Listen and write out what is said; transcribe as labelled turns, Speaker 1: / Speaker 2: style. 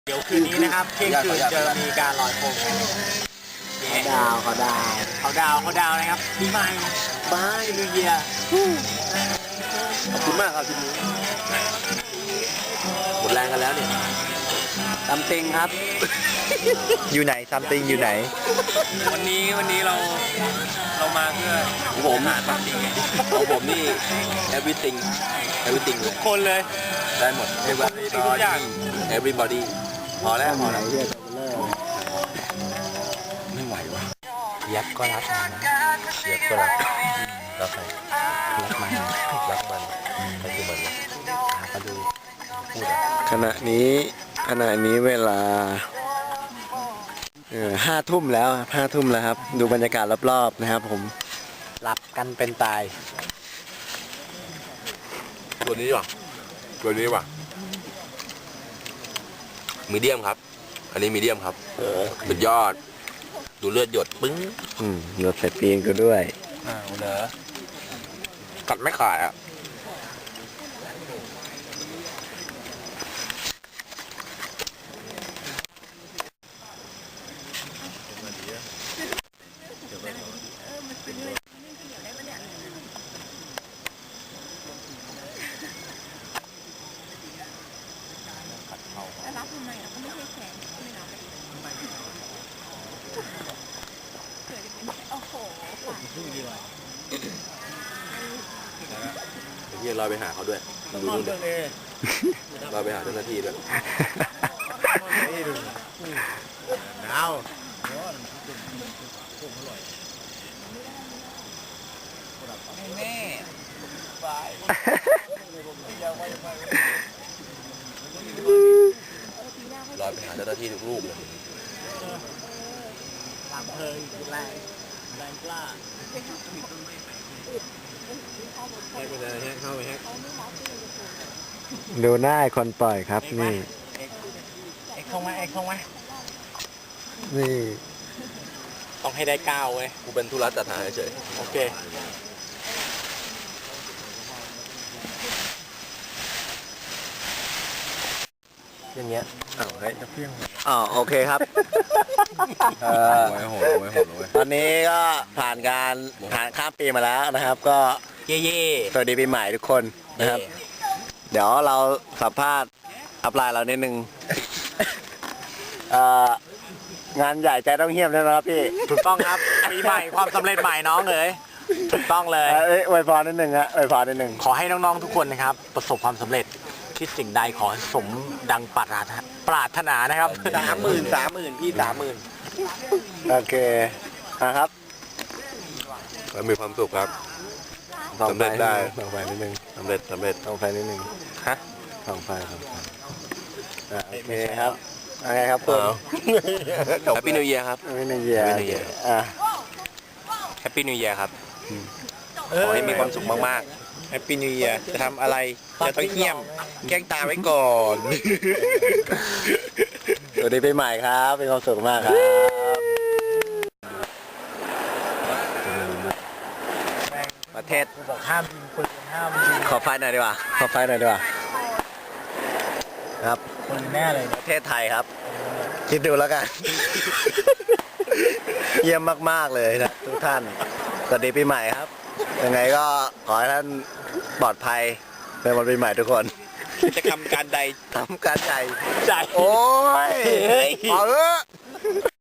Speaker 1: เดี๋ยวคืนนี้นะครับเที่ยงคืนจะมีการลอยโคมกัน
Speaker 2: เขาดาว
Speaker 1: นะครับปีใหม่บายนิวเยียร์
Speaker 2: ขอบคุณมากครับทีนี้หมดแรงกันแล้วเนี่ยซัมติงครับ
Speaker 3: อยู่ไหนซัมติงอยู่ไหน
Speaker 1: วันนี้เรามาเพื่อ
Speaker 2: ผม
Speaker 1: หาซัมติง
Speaker 2: ของผมนี่ everything เลย
Speaker 1: คนเลย
Speaker 2: ได้หมด everybody พอแล้วไม่ไหววะ
Speaker 3: ยักษ์ก็รักมันนะยักษ์ก็รักรักใครรักมันรักมันก็คือมันก็ดูพูดขณะนี้เวลา5 ทุ่มแล้วครับดูบรรยากาศรอบๆนะครับผมหลับกันเป็นตาย
Speaker 2: ตัวนี้ว่ะมีเดียมครับอันนี้มีเดียมครับสุดยอดดูเลือดหยดปึ้ง
Speaker 3: หยดใส่ปีนกูด้วย
Speaker 2: เหรอกัดไม่ขาดอ่ะ
Speaker 4: รับทำไมเราก็ไม่ให้แขนไม่รับโอ้โห
Speaker 2: เฮียลอยไปหาเขาด้วยดูนู่นลอยไปหาเจ้าหน้าที่ด้วย
Speaker 1: หนาวแม่บาย
Speaker 2: ลอยไปหาเจ้าหน้าที่ทุกรูปเลย
Speaker 1: ตามเพลิงแรงกล้าให้ไปเลยเข้าไป
Speaker 3: ดูหน้าคนปล่อยครับนี่
Speaker 1: เอ็กเข้ามา
Speaker 3: นี่
Speaker 1: ต้องให้ได้9เว้ย
Speaker 2: กูเป็นธุระจัดหาเฉย
Speaker 1: โอเค
Speaker 3: อย่างเงี้ยให้จะเพี้ยงโอเคครับตอนนี้ก็ผ่านข้ามปีมาแล้วนะครับก็
Speaker 1: เย่
Speaker 3: สวัสดีปีใหม่ทุกคนนะครับเดี๋ยวเราสัมภาษณ์อัพไลน์เรานิดนึงงานใหญ่ใจต้องเหี้ยมใช่ไหมครับพี่
Speaker 1: ถูกต้องครับปีใหม่ความสำเร็จใหม่น้องเลยถูกต้องเลย
Speaker 3: อวยพรนิดนึงฮะอวยพรนิดนึง
Speaker 1: ขอให้น้องๆทุกคนนะครับประสบความสำเร็จคิดสิ่งใดขอสมดังปรารถนานะครับ
Speaker 2: 30,000พี่30,000
Speaker 3: โอเคครับ
Speaker 2: มีความสุขครับสำเร็จได้
Speaker 3: ส่องไฟนิดนึง
Speaker 2: สำเร็จ
Speaker 3: ส่องไฟนิดนึง
Speaker 1: ฮะ
Speaker 3: ส่องไฟโอเคครับอะไรครับคุณ
Speaker 2: แฮปปี้นิวเยียร์ครับ
Speaker 3: แฮปปี้นิวเยียร์
Speaker 2: แฮปปี้นิวเยียร์ครับขอให้มีความสุขมาก
Speaker 1: ๆแฮปปี้นิวเยียร์จะทำอะไรจะต้องเงียบแกล้งตาไว้ก่อน
Speaker 3: สวัสดีปีใหม่ครับเป็นความสุขมากครับประเทศ
Speaker 1: บอกห้ามยิงปืนห้ามยิง
Speaker 3: ขอไฟหน่อยดีกว่าครับ
Speaker 1: คนแน่เลย
Speaker 3: ประเทศไทยครับคิดดูแล้วกันเยี่ยมมากๆเลยนะทุกท่านสวัสดีปีใหม่ครับยังไงก็ขอให้ท่านปลอดภัยในวันปีใหม่ทุกคน
Speaker 1: จะทำการใด
Speaker 3: ทำการใจ
Speaker 1: โอ้ย
Speaker 3: เอา